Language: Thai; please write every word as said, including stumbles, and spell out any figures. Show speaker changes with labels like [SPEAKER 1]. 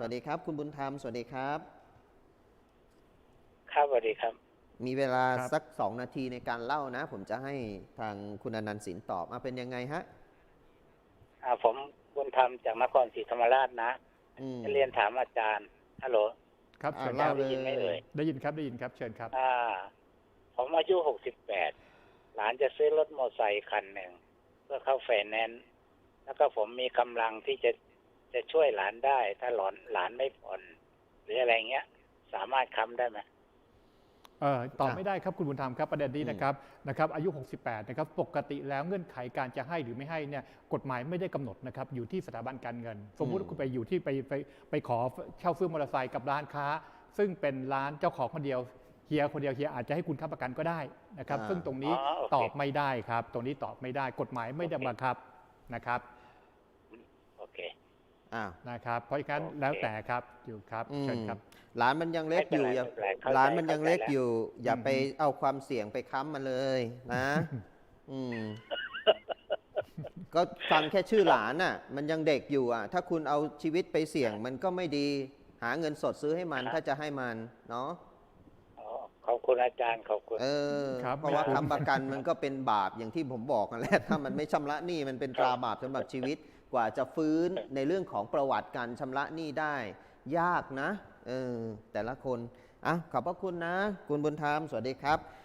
[SPEAKER 1] วัสดีครับคุณบุญธรรมสวัสดีครับ
[SPEAKER 2] ครับสวัสดีครับ
[SPEAKER 1] มีเวลา
[SPEAKER 3] ครับ
[SPEAKER 1] สักสองนาทีในการเล่านะผมจะให้ทางคุณอนันต์สินตอบมาเป็นยังไงฮะ
[SPEAKER 2] อ่าผมบุญธรรมจากนครศรีธรรมราชนะ
[SPEAKER 1] อืม
[SPEAKER 2] จะเรียนถามอาจารย์ฮัลโหล
[SPEAKER 3] ครับ
[SPEAKER 1] อ่า
[SPEAKER 3] เชิญค
[SPEAKER 1] เล่า
[SPEAKER 3] รับ
[SPEAKER 1] เล
[SPEAKER 2] ได้ยินไหมเอ่
[SPEAKER 1] ย
[SPEAKER 2] ย
[SPEAKER 3] ได้ยินครับได้ยินครับเชิญครับ
[SPEAKER 2] อ่าผมอายุหกสิบแปดหลานจะซื้อรถมอเตอร์ไซค์คันหนึ่งเพื่อเข้าไฟแนนซ์แล้วก็ผมมีกำลังที่จะจะช่วยหลานได้ ถ้าหลานหลานไม่ผ่อนหรืออะไรเงี้ย สามารถค้ำได้ไหม
[SPEAKER 3] เอ่อตอบ
[SPEAKER 1] อ่ะ
[SPEAKER 3] ไม่ได้ครับคุณบุญธรรมครับประเด็นนี้
[SPEAKER 1] อืม
[SPEAKER 3] นะครับนะครับอายุ หกสิบแปดนะครับปกติแล้วเงื่อนไขการจะให้หรือไม่ให้เนี่ยกฎหมายไม่ได้กำหนดนะครับอยู่ที่สถาบันการเงิน สมมุติว่าคุณไปอยู่ที่ไปไปไปขอเช่าซื้อมอเตอร์ไซค์กับร้านค้า ซึ่งเป็นร้านเจ้าของคนเดียวเฮียคนเดียวเฮียอาจจะให้คุณค้ำประกันก็ได้นะครับ
[SPEAKER 1] อ่า
[SPEAKER 3] ซึ่งตรง
[SPEAKER 2] อ๋อ
[SPEAKER 3] นี้
[SPEAKER 2] โอเค
[SPEAKER 3] ตอบไม่ได้ครับตรงนี้ตอบไม่ได้กฎหมายไม่ได้
[SPEAKER 2] โอเค
[SPEAKER 3] บังคับนะครับ
[SPEAKER 2] โอเค
[SPEAKER 1] อ้าว
[SPEAKER 3] นะครับเพราะฉะนั้น
[SPEAKER 2] โอเค
[SPEAKER 3] แล้วแต่ครับอยู่ครับ
[SPEAKER 1] อื
[SPEAKER 3] เชิญ
[SPEAKER 1] ม
[SPEAKER 3] ครับ
[SPEAKER 1] หลานมันยังเล็กอยู่อย่า
[SPEAKER 2] ไม่เป็นไรไม่เป็นไรเข้าใจ
[SPEAKER 1] หลานมันยังเล็ก
[SPEAKER 2] เข้าใจแล้ว
[SPEAKER 1] อยู่ อย่า
[SPEAKER 3] อืม
[SPEAKER 1] ไปเอาความเสี่ยงไปค้ำมันเลยนะ อืมก็ฟังแค่ชื่อหลานน่ะ มันยังเด็กอยู่อ่ะ ถ้าคุณเอาชีวิตไปเสี่ยงมันก็ไม่ดี หาเงินสดซื้อให้มัน
[SPEAKER 2] ครับ
[SPEAKER 1] ถ้าจะให้มันเนาะ
[SPEAKER 2] อ๋อขอบคุณอาจารย์ขอบคุณ
[SPEAKER 1] เออ
[SPEAKER 3] ครับ
[SPEAKER 1] เพราะว่า
[SPEAKER 3] ไม่คุ้ม
[SPEAKER 1] ค้ำประกันมันก็เป็นบาปอย่างที่ผมบอกกันแหละ ถ้ามันไม่ชำระหนี้มันเป็นตราบาปสำหรับชีวิตกว่าจะฟื้นในเรื่องของประวัติการชำระหนี้ได้ ยากนะเออแต่ละคนอ่ะขอบพระคุณนะ คุณบุญธรรมสวัสดีครับ